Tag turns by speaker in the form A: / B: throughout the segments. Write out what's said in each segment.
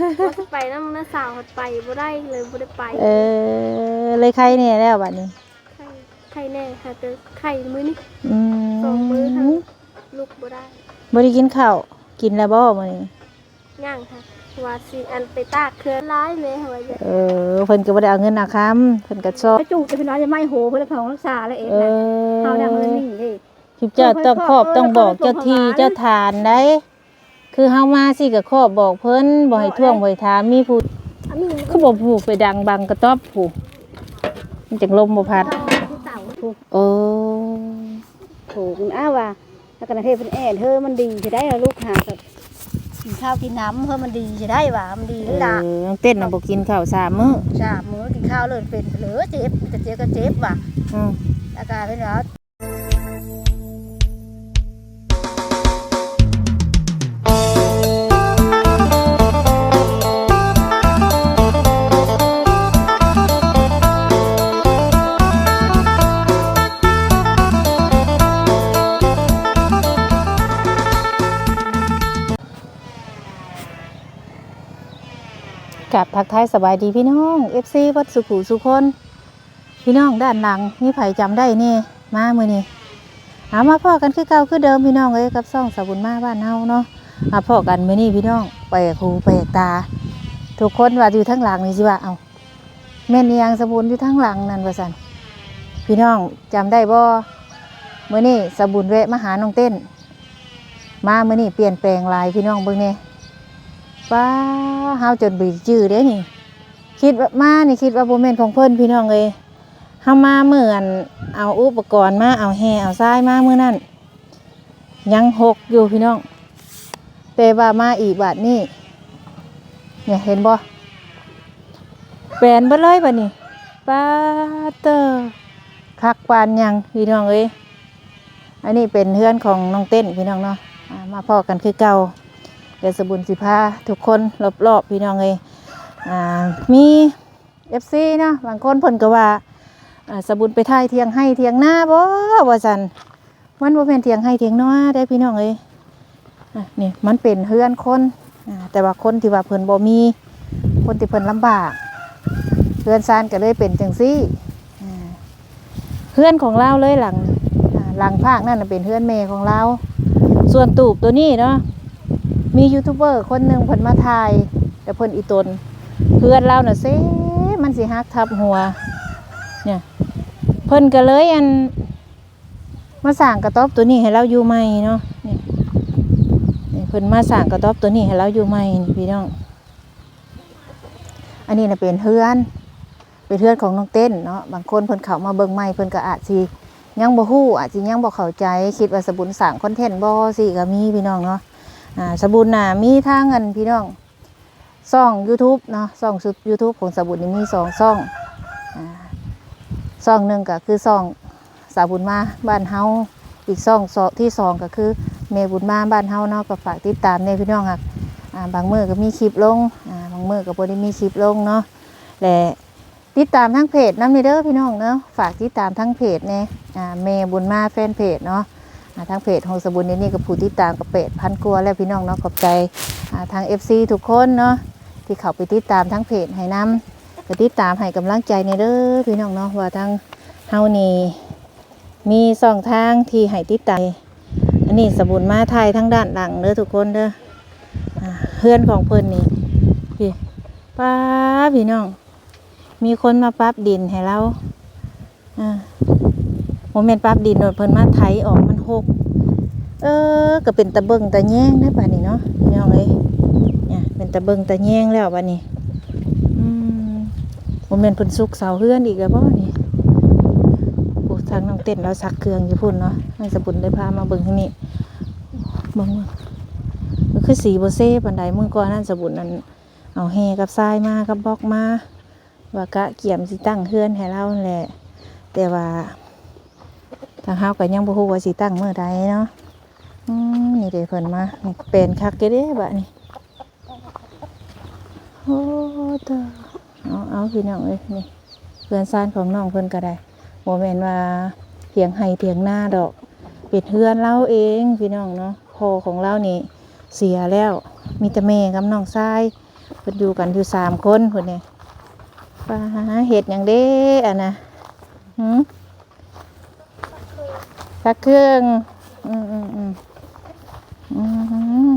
A: ว่าสิไปนำน้าสาวไปบ่ได้เลยบ่ได้ไป
B: เลยใครเนี่ยแล้วบัดนี้
A: ไข่แน่ค่ะแต่ไข่มื้อนี้
B: อื
A: 2มื้อทั้ง
B: ม
A: ลูกบ่ได้
B: บ่ได้กินข้าวกินแล้วบ่มื้อนี้
A: ย่างค่ะว่าสิอันไปตากเครือร้ายแม่ว่าจะ
B: เพิ่นก็บ่ได้เอาเงินอาค้ำเพิ่นก็ชอบ
C: ไปจูจะพี่น้อยจะไม่โหเพื่อของรักษาแล้วเองนะเฮาดังเลยนี่เด้
B: คลิปเจ้าต้องครอบต้องบอกเจ้าที่เจ้าทานได้คือเฮามาสิก็ครอบบอกเพิ่นบ่ให้ท่วงบ่ให้ถามมีผู้คือบ่ผูกไปดังบังกระต๊อบผู้มันจังลมบ่พัดโอ้
C: ถูกว่าแล้วก็เทพเป็นแอดเธอมันดีจะได้ลูกหากับกินข้าวกินน้ำเธอมันดีจะได้ว่ามันดีหรือล่ะ
B: เต้นน่ะบ่กินข้าว3 มื้อ
C: 3 มื้อกินข้าวเลยเป็นเหลือเจ็บจะเจ็บก็เจ็บว่ะอาการเป็นแล้ว
B: กับทักทายสบายดีพี่น้อง FC วัดสุขุสุคนพี่น้องด้านหลังมีไผจำได้นี่มามื้อนี้มาพ่อกันคือเก่าคือเดิมพี่น้องเอ้ยกับซ่องสบุญมาบ้านเฮาเนาะมาพ่อกันมื้อนี้พี่น้องแปลกหูแปลกตาทุกคนว่าอยู่ทั้งหลังนี่สิว่าเอาแม่นยังสบุญอยู่ทั้งหลังนั่นว่าซั่นพี่น้องจำได้บ่มื้อนี้สบุญแวะมาหาน้องเต้นมามื้อนี้เปลี่ยนแปลงหลายพี่น้องเบิ่งแน่ป้าเฮาจนบีจื้อเด้นี่คิดว่ามานี่คิดว่าบ่แม่นของเพิ่นพี่น้องเอ้ยเฮามาเหมือนเอาอุปกรณ์มาเอาแห่เอาทรายมามื้อนั้นยังหกอยู่พี่น้องแต่ว่ามาอีกบาดนี้เนี่ยเห็นบ่แปลนเบิดเลยบัดนี้ป้าเตอคักปานยังพี่น้องเอ้ยอันนี้เป็นเฮือนของน้องเต้นพี่น้องเนาะมาพ้อกันคือเก่าเดี๋ยวสบุญสิพาทุกคนรอบๆพี่น้องเลยมี FC เนาะบางคนเพิ่นก็ว่าสบุญไปถ่ายเทียงให้เทียงหน้าบ่ว่าซั่นมันบ่แม่นเทียงให้เทียงนาได้พี่น้องเอ้ยนี่มันเป็นเฮือนคนแต่ว่าคนที่ว่าเพิ่นบ่มีคนที่เพิ่นลำบากเฮือนซานก็เลยเป็นจังซี่เฮือนของเราเลยหลังภาคนั่นเป็นเฮือนแม่ของเราส่วนตูบตัวนี้เนาะมียูทูบเบอร์คนหนึ่งเพิ่นมาถ่ายแต่เพิ่นอีตนเพื่อนเราน่ะเซ่มันสิฮักทับหัวเนี่ยเพิ่นก็เลยมาสร้างกระต๊อบตัวนี้ให้เราอยู่ใหม่เนาะนี่เพิ่นมาสร้างกระต๊อบตัวนี้ให้เราอยู่ใหม่นี่พี่น้องอันนี้น่ะเป็นเฮือนของน้องเต้นเนาะบางคนเพิ่นเข้ามาเบิ่งใหม่เพิ่นก็อาจสิยังบ่ฮู้อาจสิยังบ่เข้าใจคิดว่าสบุญสร้างคอนเทนต์บ่สิก็มีพี่น้องเนาะสบุญน่ะมีทางกันพี่น้องช่อง YouTube เนาะช่อง YouTube ของสบุญนี่มี2ช่องช่องหนึ่งก็คือช่องสาบุญมาบ้านเฮาอีกช่องที่2ก็คือเมบุญมาบ้านเฮาเนาะก็ฝากติดตามในพี่น้องค่ะบางมื้อก็มีคลิปลงบางมื้อก็บ่ได้มีคลิปลงเนาะและติดตามทั้งเพจนำนี่เด้อพี่น้องเนาะฝากติดตามทั้งเพจแน่เมบุญมาแฟนเพจเนาะทางเพจของสบุญนี่ก็ผู้ติดตามกับ8,000 กว่าแล้วพี่น้องเนาะขอบใจทาง FC ทุกคนเนาะที่เข้าไปติดตามทั้งเพจให้นำก็ติดตามให้กำลังใจในเด้อพี่น้องเนาะว่าทางเฮานี่มี2 ทางที่ให้ติดตามอันนี้สบุญมาถ่ายทั้งด้านหลังเด้อทุกคนเด้อเฮือนของเพิ่นนี่พี่ป้าพี่น้องมีคนมาปรับดินให้เราโมเมนต์ปรับดินโดนเพิ่นมาไถออกมันหกก็เป็นตะเบิงตะแยงได้ป่ะนี่เนาะพี่น้องเอ้ยเนี่ยเป็นตะเบิงตะแยงแล้วป่ะนี่โมเมนต์เพิ่นซุกเสาเฮือนอีกแล้วบ่นี่โอ้ทางน้องเต้นเราซักเครื่องอยู่พุ่นเนาะให้สบุญได้พามาเบิ่งที่นี่เบิ่งมันคือสีบ่เซ่ปานใดมื้อก่อนนั่นสบุญนั่นเอาแฮกับทรายมากับบล็อกมาว่ากะเกี่ยมสิตั้งเฮือนให้เราแหละแต่ว่าทางเฮาก็ยังบ่ฮู้ว่าสิตั้งมื้อใดเนาะนี่เด้เพิ่นมาเป็นคักเด้บัดนี้โอ้ตาเอาพี่น้องเอ้ยนี่เพื่อนซ่านของน้องเพิ่นก็ได้บ่แม่นว่าเถียงให้เถียงหน้าดอกเป็ดเฮือนเราเองพี่น้องเนาะพ่อของเรานี่เสียแล้วมีแต่แม่กับน้องชายเพิ่พิ่นอยู่กันอยู่3คนพุ่นนี่ป้าเฮ็ดหยังเด้อะนะซักเครื่องอืมอืมอืมอืม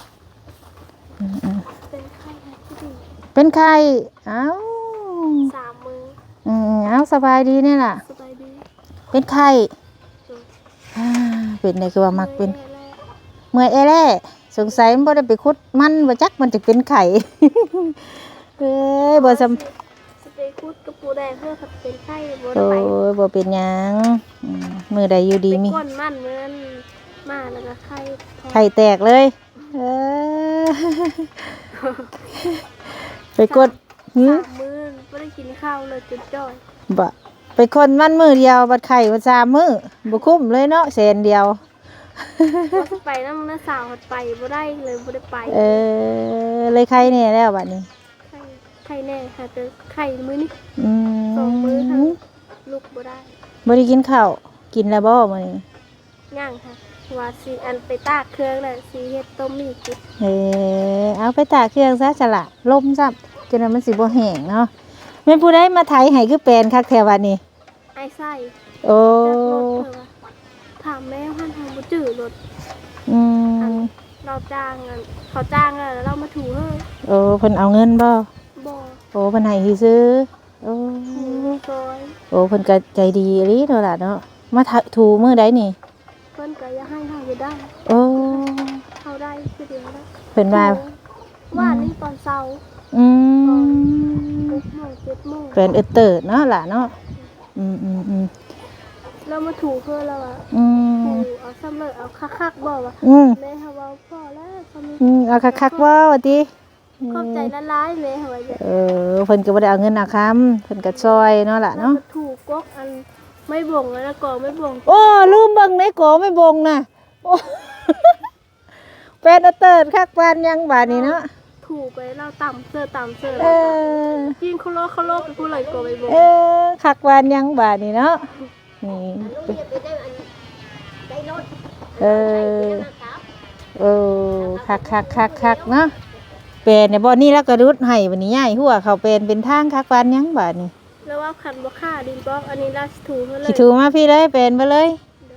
A: เป็นไข้ที่ดี
B: เป็นไข้เอ้า
A: 3 มื้อ
B: เอ้าสบายดีนี่ล่ะ
A: สบายดี
B: เป็นไข้อ่าเป็นได้คือว่ามักเป็น เมื่อยแล่สงสัยมันบ่ได้ไปขุดมันบ่จักมันจะเป็นไข้ เอ้ยบ่สำ
A: สเปรย์คุดกับปูแดงเพื่อเป็นไข้บ่
B: โอ้
A: ได้ไป
B: ยบ่เป็นหยังมื้อใดอยู่ดี
A: ไป
B: มี
A: ก้นมันเหมือนมาแล้วก็ไข้
B: ไข้แตกเลยเออ ไปกดหือ
A: 3 มื้อบ่ได้กินข้าวเลยจนจ้อย
B: บ่ไปคนมันมื้อเดียวบัดไข้บัด3มื้อบ่คุ้มเลยเนาะแสนเดียว
A: ว่าสิไปนำน้าสาวหดไปบ่ได้เลยบ่ได้ไป
B: เลยไข้แน่แล้วบัดนี้
A: ไข้แน่ค่ะแต่ไข้มื้อนี้
B: อื
A: 2 มื้อค่ะ
B: ม
A: ลุกบ่ได้
B: บ่ได้กินข้าวกินแล้วบ่มื้อนี้
A: ย่างค่ะว่าสิอันไปตากเครื่องแล้วสิเฮ็ดต้มมีกิน
B: เอาไปตากเครื่องซะฉละลมซับจนว่ามันสิบ่แห้งเนาะแม่นผู้ใดมาไถให้คือแปลนคักแถวบัดนี้
A: ไอ้ไส้
B: โอ้
A: จักรถเพิ่นว่าถามแม่ว่าทางบ่จื้อรถ
B: อืม
A: เราจ้างอะเขาจ้างแล้วเรามาถูเฮ้ย
B: โอ้เพิ่นเอาเงินบ่
A: บ่
B: โอ้เพิ่นให้ซื้อโอ้
A: ถูซอย
B: โอ้เพิ่นก็ใจดีอีหลีเนาะล่ะเนาะมาถูมื้อใดนี่
A: เพิ่นก็อย่าให้เฮาอยู่ได้
B: โอ้
A: เฮาได้คือเดียวได้
B: เพิ่นว่า
A: ว่านี่ตอนเช้า
B: อืม
A: 6 โมง 7 โมง
B: เป็นเติร์ดเนาะล่ะเนาะอืม
A: เรามาถูเพื่อเราอะ
B: อืม
A: ถูเอาซ้ำเลยเอาคักๆบ่ว่า
B: อืม
A: แม่เฮาเว้าพอแล้วเขามี
B: เอาคักๆว่าว่าติ
A: ขอบใจละลายแม่เฮาว่าจะ
B: เพิ่นก็บ่ได้เอาเงินเอาคำเพิ่นก็ซอยเนาะล่ะ
A: เรา
B: เนาะ
A: มาถูกกอันไม่บ่งแล้วก็ไม่บ่ง
B: โอ้ลืมเบิ่งในโกไม่บงน่ะโอ้ เป็นเติร์ดคักปานยังบาดนี้เนาะ
A: ถูกไปเราต่ำเสื้อ
B: เออ
A: กินเขาโลกไปผู้เลยก็ไม่บ่ง
B: คักปานยังบาดนี้เนาะนี่เออเออคักเนาะเป็นเนี่ยบ่นี่แล้วก็รุดให้บัดนี้ย้ายหัวเขาเป็นทางคักปานยังบาดนี้
A: แล้วว่าคันบ่ค่าดินบล็อกอันนี้เราถูเพื่อเลย
B: สิถูมาพี่เลยเป็นไปเลย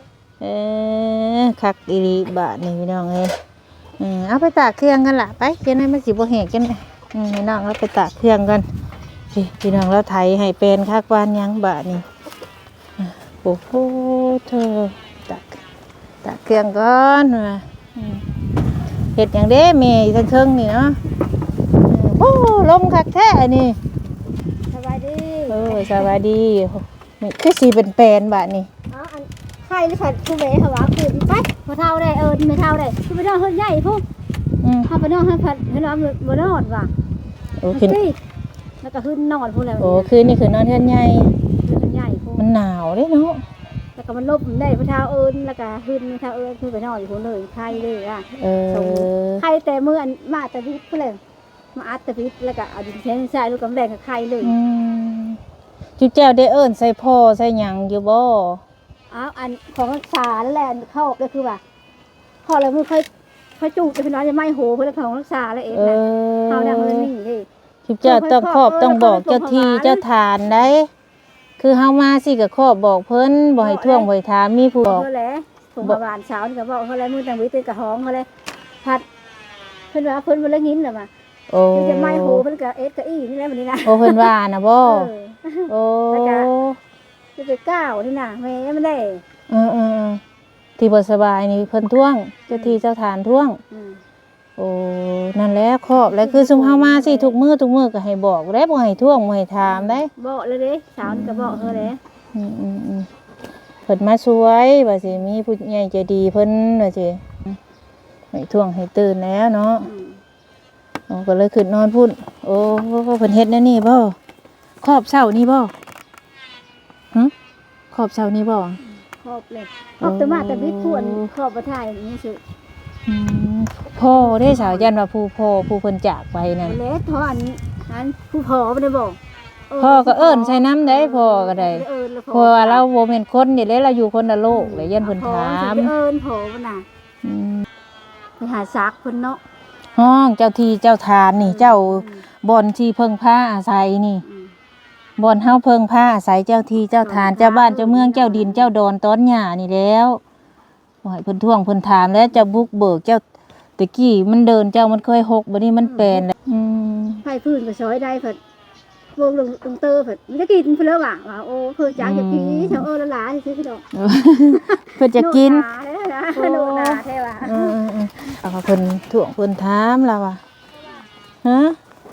B: คักอีหลีบาดนี้พี่น้องเอ้ยเอาไปตากเครื่องกันล่ะไปเดี๋ยวให้มันสิบ่แห้งกันให้น้องเราไปตากเครื่องกันพี่น้องเราไถให้เป็นคักปานยังบาดนี้โอ้โหเธอตากเครื่องก่อนมาเห็ดอย่างเด้เมย์ทั้งเครื่องนี่เนาะโอ้ลมคักแท้นี่
C: สบายดี
B: สวัสดีนี่คือสีเป็นแปลนบาทนี่
C: อ๋ออันไข่หรือผัดผู้เบ๋หวาคือไปพอเท่าได้ไม่เท่าได้คือไปนอนเฮือนใหญ่พุ่งถ้าไปนอนให้ผัดให้นอนบ่นอนว่ะ
B: โอ้คืน
C: แล้วก็ขึ้นนอนพุ่งแล้ว
B: โอ้คืนนี่คือนอนเทือนใหญ่
C: เฮือนใหญ่พุ่ง
B: มันหนาวเด้เนาะ
C: แล้วก็มันลบได้พอเท่าแล้วก็ขึ้นเท่าคือไปนอนอยู่พุ่งเลยไข่เลยอ่ะไข่แต่เมื่อมาแต่พิษพุ่งเลยมาอัดแต่พิษแล้วก็เอาดินแช่ใส่ลูกกำแดงกับไข่เลย
B: จุ๊เจ้าได้เอิ้นใส่พ่อใส่หยังอยู่บ่
C: อันของรักษาแล้วแหละเข้าก็คือว่าพอแล้วมันค่อยจูบจะเป็นน้อยจะไม่โหเพื่อของรักษาแล้วเองนะเขาเนี่ยมันนี่ดิ
B: จุ๊เจ้าต้องครอบต้องบอกเจ้าที่เจ้าทานได้คือเฮามาสิก็ครอบบอกเพิ่นบ่ให้ท่วงบ่ให้ถามมีผู้บอก
C: เขาแล้วส่งมาบานเช้านี่ก็บอกเขาแล้วมือต่างวิตกับห้องเขาแล้วพัดเพิ่นว่าเพิ่นบ่ละงินน่ะมา
B: โอ้
C: จะไม่โหเพิ่นก็กับอีนี่แหละบัดนี้นะ
B: โอ้เพิ่นว่านะบ่โอ้
C: จะไปก้าวนี่น่ะแม่ไม่ได้
B: ที่บ่สบายนี่เพิ่นท่วงเจ้าที่เจ้าทานท่วงโอ้นั่นแหละครอบแล้วคือซุมเฮามาสิทุกมื้อก็ให้บอกได้บ่ให้ท่วงบ่ให้ถามได้
C: บอกเลยเด้เช้านี่ก็บอกเขาแล้ว
B: เพิ่นมาช่วยว่าสิมีผู้ใหญ่ใจดีเพิ่นว่าสิให้ท่วงให้ตื่นแล้วเนาะก็เลยขึ้นนอนพุ่นโอ้เพิ่นเฮ็ดแนวนี้บ่ครอบเช้านี่บ่ครอบเช้านี่บ่
C: ครอบเลยครอบแต่มาแต่วิทย์พวนครอบประทายนี่สิ
B: พ่อได้สาวยันว่าผู้พ่อผู้เพิ่นจากไปนั่น
C: เล็กทอนนั้นผู้พ่อไม่ได้บอก
B: พ่อก็เอิ้นใส่น้ำได้พ่อก็ได้เพราะว่าเราบ่แม่นคนนี่แหละเราอยู่คนละโลกเลยยันเพิ่นถาม
C: เอิ้นพ่อบ่น่ะไปหาซักเพิ่นเนาะ
B: ห้องเจ้าที่เจ้าทานนี่เจ้าบ่อนที่เพิ่งพาอาศัยนี่บ่อนเฮาเพิ่งพาอาศัยเจ้าที่เจ้าทานเจ้าบ้านเจ้าเมืองเจ้าดินเจ้าดอนต้นหญ้านี่แล้วบ่ให้เพิ่นท่วงเพิ่นถามแล้วเจ้าบุกเบิกเจ้าตะกี้มันเดินเจ้ามันเคยหกบัดนี้มันแปลนแล้ว
C: ไผพื้นก็ซอยได้เพิ่นวงลงเตอเพิ่นมันจะกินเพิ่นแล้วว่าโอ้เพิ่นจักจะกินแถวละหลาซื่อๆพี่น้อง
B: เพิ่นจะกิน
C: โนนาแท้ว่า
B: เอาเพิ่นท่วงเพิ่นถามแล้วว่าฮะ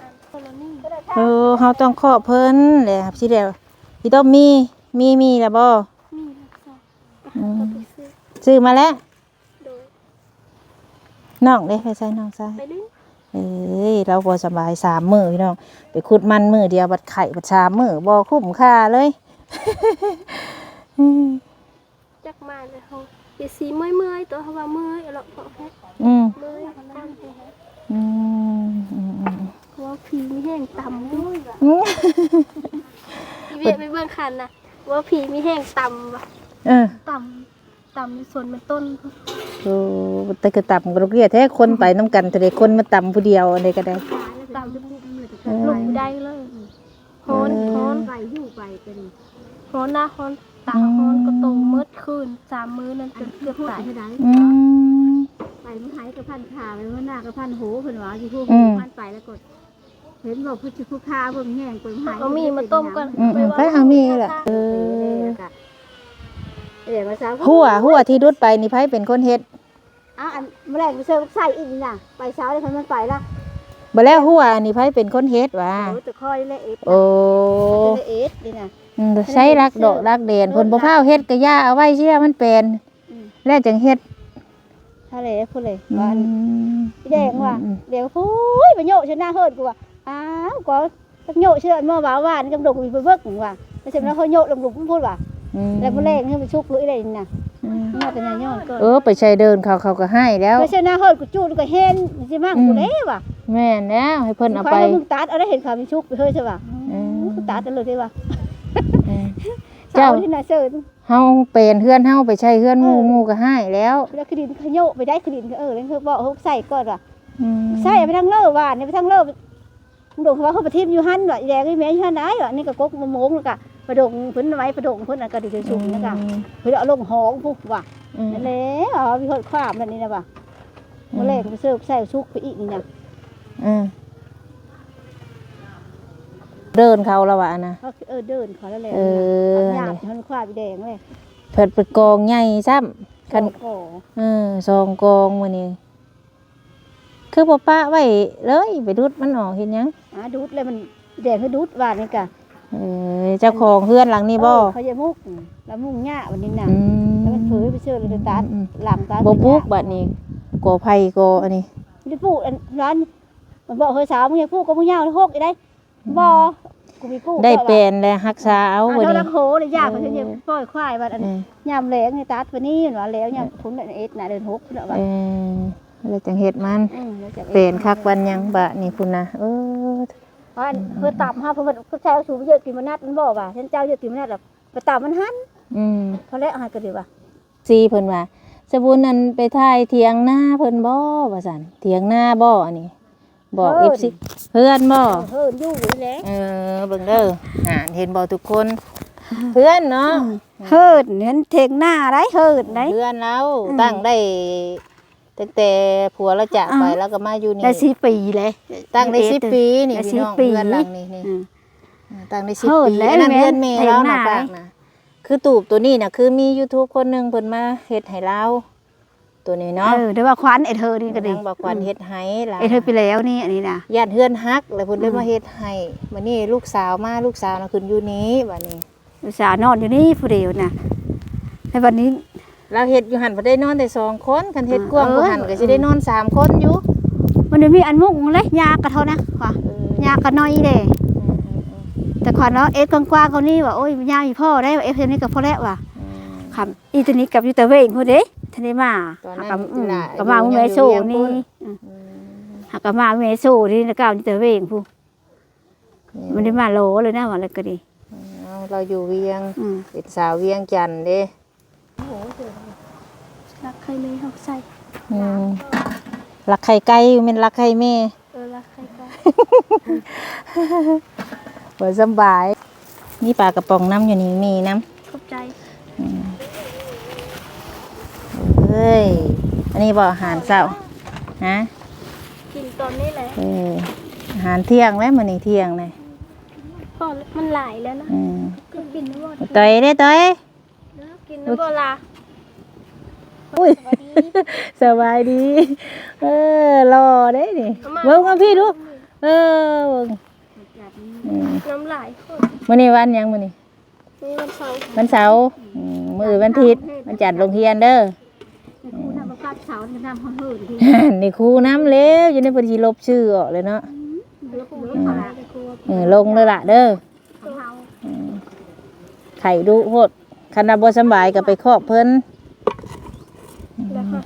B: เฮาต้องขอเพิ่นแหละครับสิแล้วสิต้องมีแล้วบ่ซื้อมาแล้วน้องเด้ไปใส่น้องใส่เอ้ยเราบ่สบาย3 มื้อพี่น้องไปขุดมันมื้อเดียวบัดไข่บัด3 มื้อบ่คุ้มค่าเลย
A: จักมาเลยเฮาสิสีเมื่อยๆตัวเฮาว่าเมื่อยแล้วพอแฮะเมื่อยว่าผีมีแห้งต่ำด้วยเวียไปเบิ่งคันน่ะว่าผีมีแห้งต่ำว่ะต่ำในส่วนมันต้น
B: โอ้แต่ก็ต่ำก็เรียกแท้คนไปน้ำกันแต่คนมาต่ำผู้เดียวอะไรก็ได้
A: ต่ำลงได้เลยฮ้อนไปอยู่ไปเป็นฮ้อนนะฮ้อนตาฮ้อนก็โตมืดคืน3 มื้อนั่นจนเกือบตาย
C: ไปมันหายกับพันขาไปมันหน้ากับพันโหเพิ่นว่าอยู่พวกพันไปแล้วก็เห็นบอกเพิ่นสิผู้ค้าเพิ่นแห้งเพิ่นหาย
A: เอามีมาต้มก่อน
B: ไปเอามีแหละหัวที่ดุดไปนี่ไผเป็นคนเฮ็ด
C: อันแมลงมันเชิญใส่อีกนี่น่ะไปเช้าเลยมันไปละ
B: บ่แล้วหัวนี่ไผเป็นคนเฮ็ดว่า
C: ตะคอยและเอ็ด
B: โอ้
C: เอ็ดนี่น่ะ
B: ใช้รักดอกรักเด่นเพิ่นบ่พาเฮ็ดก็ย่าเอาไว้เชื่อมันเป็นแล้วจังเฮ็ด
C: ทะเลพุ่นเลยว่าพี่แดงว่าเดี๋ยวพู้ยไปโยกชนะเฮิดกูว่าอ้าวก็สักโยกเชื่อเมื่อวานกำดกมีไปเบิกว่าไม่ใช่แล้วเขาโยกลงหลุมพูดว่าแล้วแมลงให้ไปชุกลุยอะไรนี่น่ะมาแต่ย่อนก่
B: อนไปใช้เดินเขาก็ให้แล้ว
C: ไม่ใช่หน้าเฮิดกูจูดก็เห็นสิมั่งกูเด้ว่ะ
B: แม่นแล้วให้เพิ่นเอาไป
C: มึงตัดเอาได้เห็นเขามีชุกไปเฮ้ยใช่ป่ะตัดเลยได้ว่ะเจ้าที่น่าเชิญ
B: เฮาเป็นเฮือนเฮาไปใช้เฮือนหมู่ก็ให้แล้ว
C: แล้วคดินขยโยไปได้คดินแล้วคือบอกเขาใส่ก่อนว่ะใส่ไปทางเล่ว่านี่ไปทางเล่มึงดูว่าเขาไปทิมอยู่หันว่ะแดงไอ้แม่อยู่หันได้ว่ะนี่ก็กกมะม่วงแล้วก็ประดงเพิ่นไว้ประดงเพิ่นก็ดิชุ่มนะคะเพิ่นเอาลงหองพุกว่ะนั่นแหละมีคนคว้ามันนี่นะว่ะเมื่อแรกไปเสิร์ฟใส่ชุกไปอีกนี่นะ
B: เดินเขาแล้วว่ะนะ
C: เดินเขาแล้วแหละหยาบมันคว้าไปแดงเลย
B: เพิ่นไปกองใหญ่ซ้ำคัน2 กองมื้อนี้คือบ่ปะไว้เลยไปดูดมันออกเห็นยัง
C: ดูดเลยมันแดงคือดูดหวานนี่กะ
B: เจ้าของเฮือนหลังนี้บ่
C: เขาจะมุกแล้วมุกหญ้าวันนี้น่ะแล้วมันเผยไปเชื่อเลยตัดหลังตัด
B: บ่ปลูกบัดนี้กอไผ่กออันนี้
C: ได้ปลูกร้านมันบอกเฮ้ยสาวมึงอยากปลูกก็มึงยาวเลยหกได้บ่กูมีปลูก
B: ได้เป็นแล้วรักษาเอา
C: วันนี้แล้วโหเลยยากเขาจะปล่อยควายบัดอันยามแล้งนี่ตัดวันนี้เนาะแล้วยามพุ่นเอ็ดน่ะเดินหกพุ่นน่ะว่า
B: แล้วจังเฮ็ดมันเป็นคักวันยังบะนี่พุ่นน่ะ
C: เพื่อตับฮะเพื่อก็ใช้สูบเยอะกินมันนัดมันบอกว่าฉันเจ้าเยอะกินมันนัดแบบไปตับมันหันพอแล้วหายก็ดีว่า
B: ซีเพิ่นว่าสบุญนั่นไปถ่ายเถียงหน้าเพิ่นบ่ว่าซั่นเถียงหน้าบ่อันนี้บอก FC เพื่อนบ่
C: เพื่อนอยู่นี่แหละ
B: เบิ่งเด้อเห็นบ่ทุกคนเพื่อนเนาะ
C: เฮิดเห็นเถียงหน้าได้เฮิดได้
B: เพื่อนเราตั้งได้ตั้งแต่ผัวเราจากไปแล้วก็มาอยู่นี่
C: ได้10 ปีเลย
B: ตั้งได้10 ปีนี่พี่น้องเพื่อนหลังนี่ตั้งได้10 ปีนั่นเพื่อนแม่เราน่ะฝากนะคือตูบตัวนี้น่ะคือมี YouTube คนนึงเพิ่นมาเฮ็ดให้เราตัวนี้เนาะ
C: ได้ว่าควันไอ้เธอนี่ก็ดี
B: ว่าควันเฮ็ดให้ล่ะ
C: ไอ้เธอไปแล้วนี่อันนี้น่ะ
B: ญาติเฮือนฮักแล้วเพิ่นได้มาเฮ็ดให้บัดนี้ลูกสาวมาลูกสาวน่ะขึ้นอยู่นี้บัดนี้
C: ลูกสาวนอนอยู่นี่ผู้เดียวน่ะในวันนี้
B: เราเฮ็ดอยู่หั่นบ่ได้นอนแต่2 คนคันเฮ็ดกว้างกว่าหั่นก็สิได้นอน3 คนอยู่
C: มันมีอันมุกเลยยากระเท่านะค่ะยากระน้อยเด้แต่ขวัญเนาะเอ็ดกว้างๆเขานี่ว่าโอ้ยยากอีพ่อได้เอ็ดนี่กับพ่อแล้วว่ะครับอีตัวนี้กับอยู่แต่เวงพูดเด้ทันได้มากับมาเมโซนี่หักกับมาเมโซนี่แล้วก็อยู่แต่เวงพูมันได้มาโลเลยนะว่าอะไรก็ดี
B: เราอยู่เวียงเป็นสาวเวียงจันทน์เด้
A: รักใครเลยเขาใส่
B: รักไข่ไก่แม่นรักไข่แม่
A: รักใครก็
B: บ่สำบายนี่ปลากระป๋องน้ำอยู่นี่มีน้ำ
A: ขอบใจ
B: เอ้ยอันนี้บ่อาหารเช้าฮะ
A: กินตอนนี้แหละ
B: อาหารเที่ยงแล้วมื้อนี้เที่ยงเลย
A: พอมันหลายแล้วนะก็กินน้ำบ่
B: ต่อยเด้ต่อย
A: กินน้ำบ่ล่ะ
B: อุ้ยสบายดีรอได้นี่เบิ่งเอาพี่ดูเบิ่ง
A: น้ำหลายคน
B: มื้อนี้วันหยังมื้อนี้
A: นี่วันเสาร์
B: วันเสาร์มื้อวันอาทิตย์วันจัดโรงเรียนเด้อ
C: ครูทำประกาศเสาร์ทำห้องหื่นที่
B: นี่ครูน้ำเล็วอยู่ในเพิ่นสิลบชื่อออกเลยเนาะ ลงเลยล่ะเด้อไข่ดุโหดคันบ่สำบายก็ไปครอบเพิ่น
A: แล้วก็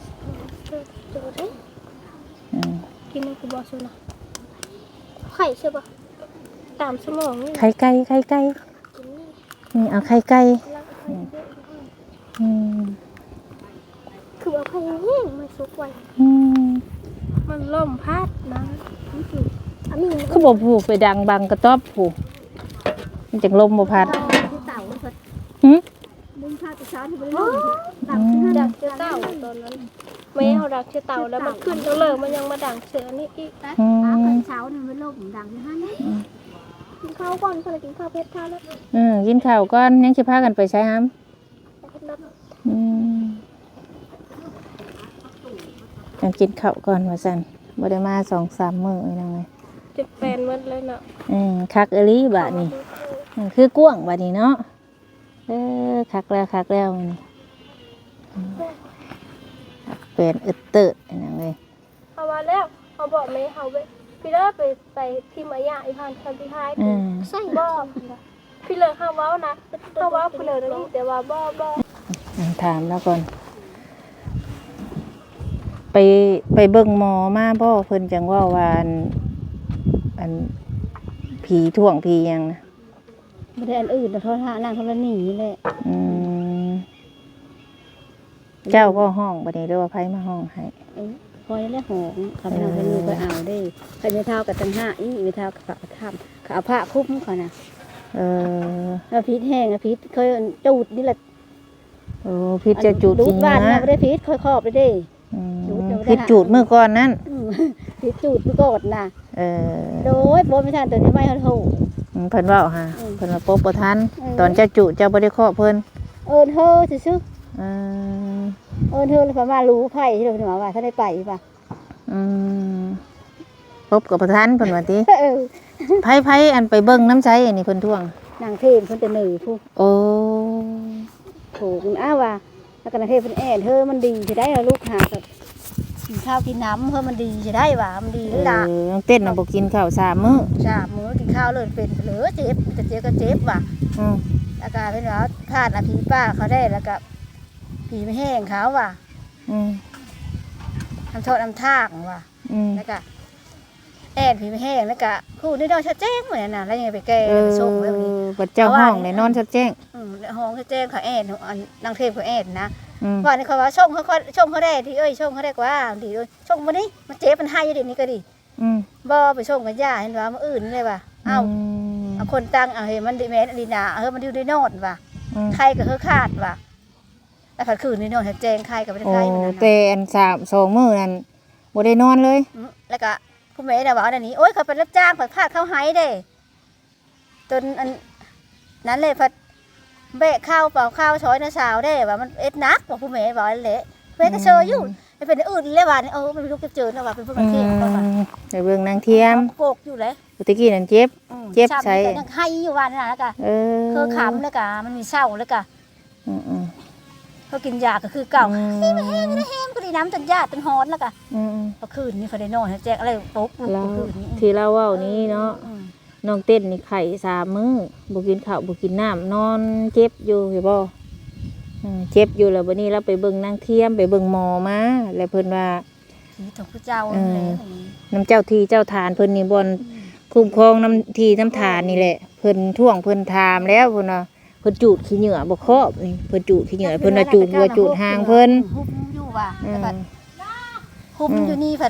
A: กินน้ำกูบอกสุนะไข่ใช่ปะตามสมองนี่
B: ไข่ไก่ไข่ไก่นี่เอาไข่ไก่อืม
A: คือเอาไข่แห้งมาซุกไว้
B: อืม
A: มันล่มพัดนะอันนี้
B: เขาบอกผูกไปดังบังกระต๊อบผูกมันจังลมบ่พัด
C: ที่เต่ามันสด
B: หึ
C: มึงพาไปช้อนที่บริโภคต่ำ
A: ดักเชือเต่าตอนนั้นแม่เขาดักเชือเต่าแล้วมันขึ้นแล้วเลยมันยังมาดักเชือนี่อีก
C: นะคนเช้าเนี่ยมันโลกดังที่ห้านี่
A: กินข้าวก่อนคนละกินข้าวเพชรข้าวแล้ว
B: กินข้าวก่อนยังสิพากันไปใช้ห้ำยังกินข้าวก่อนว่าซั่นบ่ได้มา 2-3 มื้อนั่นไง
A: จะแปลนมันเลยเนาะ
B: คักอหลีบาดนี้คือกว้างบาดนี้เนาะคักแล้วนี่เป็นอึดเติดนั่นเลย
A: เอามาแล้วเขาบอกแม่เขาไปพี่เลิศไปที่มายาอีพันคันที่ท้ายใส่บ่พี่เลิศเขาเว้านะเขาเว้าพี่เลิศนี่แต่ว่าบ่
B: ถามแล้วก่อนไปเบิ่งหมอมาบ่เพิ่นจังว่าอันผีท่วงผีหยังนะ
C: ไม่ได้อันอื่นแต่โทรหานางโทรหนีเลย
B: เจ้าก็ห้องบัดนี้หรือว่าไผมาห้องให้
C: คอยแล้วหงคำนางเป็นมือไปเอาได้ใครไม่เท่ากับตังห้าอีไม่เท่ากับทำเขาเอาผ้าคุ้มเขานะแล้วพิษแห้งพิษเคยจูดนี่แหละ
B: พิษจะจูด
C: ดู
B: จริ
C: ด
B: ง
C: บ้านนะ
B: นะ
C: ไม่ได้พิษค่อยครอบไปได้
B: พิษจูดเมื่อก่อนนั้น
C: พิษจูดไปกดนะโดยโบไม่ทันตัวนี้ไม่เขาถูก
B: เพิ่นเว้าฮะเพิ่นว่าปบบ่ทันตอนเจ้าจุเจ้าบ่ได้เคาะเพิ่น
C: เอิญเธอซื้อ
B: เออ
C: เอิญเธอเลยพม่ารู้ไผ่ที่เราถึงว่าถ้าได้ไปป่ะ
B: ปบกับบ่ทันเพิ่นว่าติไผอันไปเบิ่งน้ำใจอันนี้เพิ่นท่วง
C: นางเทพเพิ่นจะหนือผู้
B: โอ้
C: ถูกอ้าวว่าแล้วก็นางเทพเพิ่นแอนเธอมันดีจะได้ลูกหากับกินข้าวกินน้ำเธอมันดีจะได้ว่ามันดีหรือล่ะ
B: น้องเต้นน่ะบ่กินข้าว3มื้อ
C: มื้อกินข้าวเลยเป็นเหลือเจ็บจะเจ็บก็เจ็บว่ะแล้วก็เป็นว่าพลาดอภิป้าเขาได้แล้วก็ผีไม่แห้งเขาว่ะทำโทษทำทากว่ะแล้วก็แอนผีไม่แห้งแล้วก็คู่นี่นอนชัดแจ้งเหมือนน่ะแล้วยังไปแก้ไปส่งแบบนี้
B: บัดเจ้าห้องได้นอนชัดแจ้ง
C: ห้องชัดแจ้งเขาแอนนางเทพเขาแอนนะว่านี่เขาว่าช่องเขาได้ที่ช่องเขาได้กว่าดีด้วยช่องวันนี้มันเจ็บมันให้อยู่เดี๋ยวนี้ก็ดีบ่ไปช่องกันย่าเห็นว่ามันอื่นเลยว่ะเอาคนตั้งเอาเห็นมันดีแม่ดีนามันดูได้นอนว่ะใครก็ขาดว่ะแล้วผัดคืนนี่นอนชัดแจ้งใครก็ไม่ได้ใครเหมือนกัน
B: แต่อัน2มื้อนั้นบ่ได้นอนเลย
C: แล้วก็ผู้แม่น่ะว่าอันนี้โอ๊ยเขาเป็นรับจ้างผัดพลาดเข้าหายเด้จนอันนั้นเลยผัดเบะข้าวเปล่าข้าวช้อยนะสาวได้ว่ามันเอ็ดนักบอกผู้แม่บอกเละเพื่อนก็เชยอยู่ไม่เป็นอื่นเลยว่าไม่รู้จะเจอนะว่าเป็นพวกมันเที่ยงก็ว่า
B: ไปเบิ่งนางเทียม
C: โกกอยู่เลย
B: ตะกี้นั่นเจ็บใช้
C: ยังให้อยู่วันนั้นแล้วก็คือขำแล้วก็มันมีเศร้าแล้วก็เขากินยาก็คือเก่านี่มาแห้งนะแห้งก็ดีน้ำจนยาจนฮอนแล้วก็พอคืนนี้เขาได้นอนแจกอะไรปุ๊บคืนนี้
B: ที่เราเว้านี้เนาะน้องเต้นนี่ไข่3 มื้อบ่กินข้าวบ่กินน้ำนอนเจ็บอยู่เห็นบ่เจ็บอยู่แล้วบัดนี้เราไปเบิ่งนางเทียมไปเบิ่งหมอมาแล้วเพิ่นว่า
C: ผีของพระเจ้าเลย
B: น้ำเจ้าที่เจ้าทานเพิ่นนี่บ่นคุ้มครองน้ำที่น้ำทานนี่แหละเพิ่นท่วงเพิ่นถามแล้วเพิ่นว่าเพิ่นจูดขี้เหงื่อบ่ครอบนี่เพิ่นจูดขี้เหงื่อเพิ่นว่าจูดหัวจูดหางเพิ่น
C: หุ้มอยู่ว่ะแล้วก็หุ้มอยู่นี่ผัด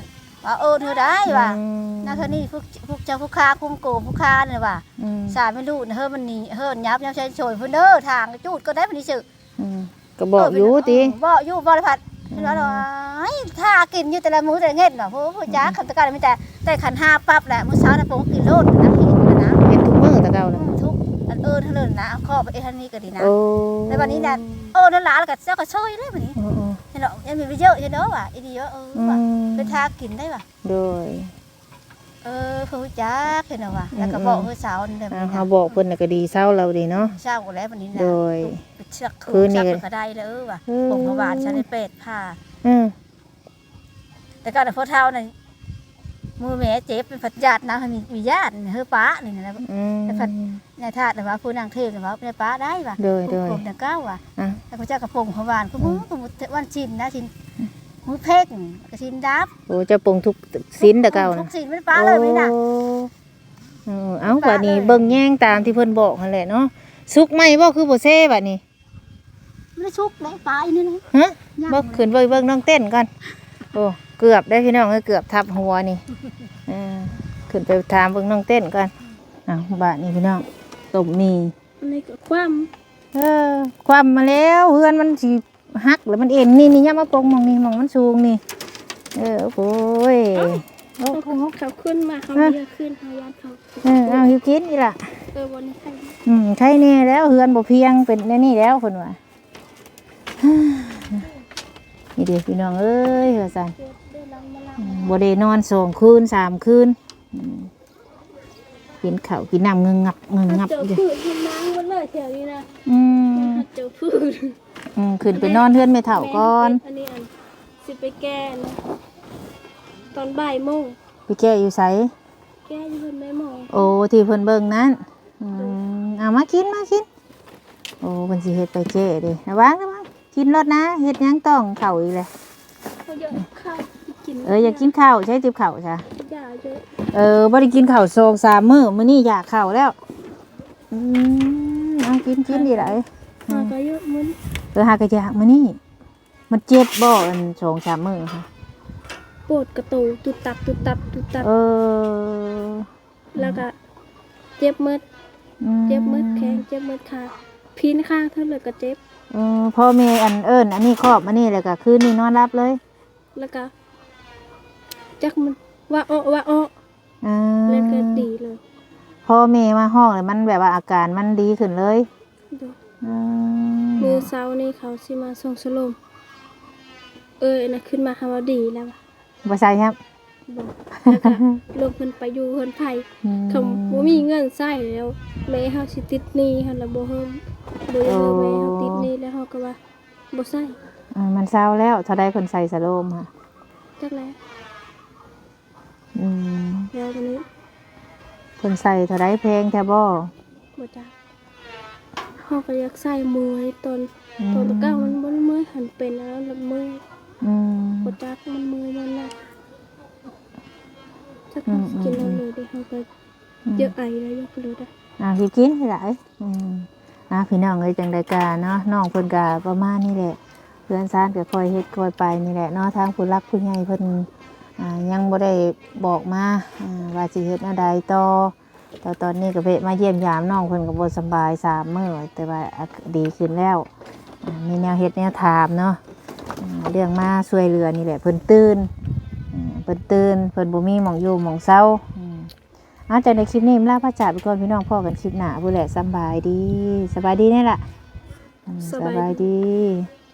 C: ว่าเธอได้ว่ะนั่นเธอนี่พวกเจ้าผู้ค้าคุ้มโกงผู้ค้าเนี่ยว่ะสาไม่รู้เฮ้ยมันนี่เฮ้ยยับใช้โฉยพุ่นเด้อทางจูดก็ได้พุ่นนี่สึ
B: ก็บอกอยู่ติ
C: บอกอยู่บ่ได้ผัดว่าถ้ากินอยู่แต่ละมื้อแต่ละเงี้ยน่ะผู้จ้าคำตะการมีแต่ขัน5ปั๊บแหละมื้อเช้าน่ะผมกินโลดนะพี่นะ
B: เฮ็ดทุกมื้อตะเก่าน่ะ
C: ทุกอันเท่านั้นนะข้อไปเท่านี้ก็ดีนะ
B: โอ้
C: ในวันนี้น่ะนั่นหลานแล้วก็เจ้าก็ช่วยได้บัดนี้เห็นเนาะยังมีเยอะอยู่เนาะว่ะอีดีว่าว่ะเป็นทากินได้ว่ะ
B: โดย
C: ผู้จ้าเห็นเนาะว่ะแล้วก็บอกมื้อเช้านี่ได้
B: เฮาบอกเพิ่นน่ะก็ดีเศร้าแล้วดีเนาะ
C: เช้าก็แล้วบัดนี้นะ
B: โดย
C: เชือกคืนนี่ก็ได้แล้วว่ะผมพบาลฉันได้เป็ดผ้าแต่ก็พอเท่านั้นมือแม่เจ็บเป็นผัดญาตินะมีญาติเฮ้อป้านี่นะแต่ผัดในธาตุว่าผู้นางเทพว่าในป้าได้ว่ะผมแต่ก้าวว่ะแต่พระเจ้ากระพงพบาลก็มือวันชินนะชินมือเพ่งกระชินดับ
B: โอ้เจ้าปงทุกศีลตะเก่า
C: ทุ
B: น่ะ
C: กศีลไม่ป้าเลยไม่น่ะ
B: เอ้าบัดนี้เบิ่งแย่งตามที่เพิ่นบอกนั่นแหละเนาะสุกไหมบ่คือบ่เซ่บัดนี้
C: ไม่ได้ชุกไหนป้าอีนี่นะ
B: ฮะบ่ขึ้นไปเบิ่งน้องเต้นก่อนโอ้เกือบได้พี่น้องเกือบทับหัวนี่ขึ้นไปถามเบิ่งน้องเต้นก่อนบัดนี้พี่น้องต้มนี่
A: อันนี้ก็ความ
B: ความมาแล้วเฮือนมันสิหักแล้วมันเอ็นนี่ย่ามาปงมองนี่มองมันสูงนี่โอ้ย
A: เขาขึ้นมาเขาเรียกขึ้นเขายันเขา
B: เอาหิวกินนี่ล่ะ
A: วันนี้ใคร
B: ใช่นี่แล้วเฮือนบ่เพียงเป็นนี่แล้วเพิ่นว่านี่เด้อพี่น้องเอ้ยว่าซั่นบ่ได้นอน2คืน3คืนกินข้าวกินน้ำเงึงงับ
A: เจอพืชที่น้ำมันเลยแถวนี้นะเจอพืช
B: ขึ้นไปนอนเฮือนแม่เฒ่าก่อน
A: อันนี้สิไปแก้นะตอนบ่ายโมง
B: ไปแก้อยู่ไส
A: แก้อยู่เพิ่นไม่มอง
B: โอ้ที่เพิ่นเบิ่งนั้นเอามากินโอ้เพิ่นสิเฮ็ดไปแก้เด้ระวังกินรถนะเฮ็ดหยังต้องเข้าอีกเลย
A: เขาเยอะข้าวกิน
B: อยากกินข้าวใช้ติบข้าวจ้ะ
A: ยาเยอะ
B: บ่ได้กินข้าว2-3 มื้อมื้อนี้อยากข้าวแล้วเอากินดีหลาย
A: มาก็เยอะมื้อ
B: หากะอยากมื้อนี้มันเจ็บบ่อัน2-3 มื้อค่ะ
A: ปวดกระตูตุดตับแล้วก็เจ็บมืดแข้งเจ็บมืดขาพินข้างเท่าเลยก็เจ็บ
B: พ่อแม่อันนี้ครอบอันนี้แล้วก็คืนนี้นอนรับเลย
A: แล้วก็จักมันว่าอ้อแล้วก็ดีเลย
B: พ่อแม่มาห้องเลยมันแบบว่าอาการมันดีขึ้นเลย
A: มือเช้านี่เขาสิมาส่งสลมนะขึ้นมาคำว่าดีแล้ว
B: บ่ใช่ครับ
A: แล้วก็ลงเพิ่นไปอยู่เพิ่นไผเขาบ่มีเงินใช้แล้วแม่เฮาสิติดหนี้หั่นล่ะบ่เฮิมบ่ได้แม่เฮาติดหนี้แล้วเฮาก็ว่าบ่ใช้
B: มันเศร้าแล้วเท่าใดเพิ่นใส่สโลมค่ะ
A: จักแล้วแล้ววันนี้
B: เพิ่นใส่เท่าใดแพงแท้บ่
A: จักเฮาก็อยากใส่มือตอนตะก้ามันบ่มือหันเป็นแล้วละมือบ่จักมันมือมันน่ะจักกินแล้วเลยเด้เฮาก็เยอะไอแล้วเยอะไปเลย
B: สิกินให้หลายพี่น้องเอ้ยจังได๋กะเนาะน้องเพิ่นก็ประมาณนี้แหละเพื่อนซ่านก็ค่อยเฮ็ดค่อยไปนี่แหละเนาะทางผู้รักผู้ใหญ่เพิ่นยังบ่ได้บอกมาว่าสิเฮ็ดแนวใดต่อตอนนี้ก็เวะมาเยี่ยมยามน้องเพิ่นก็บ่สบาย3 มื้อแต่ว่าดีขึ้นแล้วมีแนวเฮ็ดแนวถามเนาะเรื่องมาช่วยเหลือนี่แหละเพิ่นตื่นเพิ่นบ่มีหม่องอยู่หม่องเซาจากในคลิปนี้ลาพระจ่าไปก่อนพี่น้องพ่อกันคลิปหน้าผู้แหละสบายดีนี่ล่ะสบายดี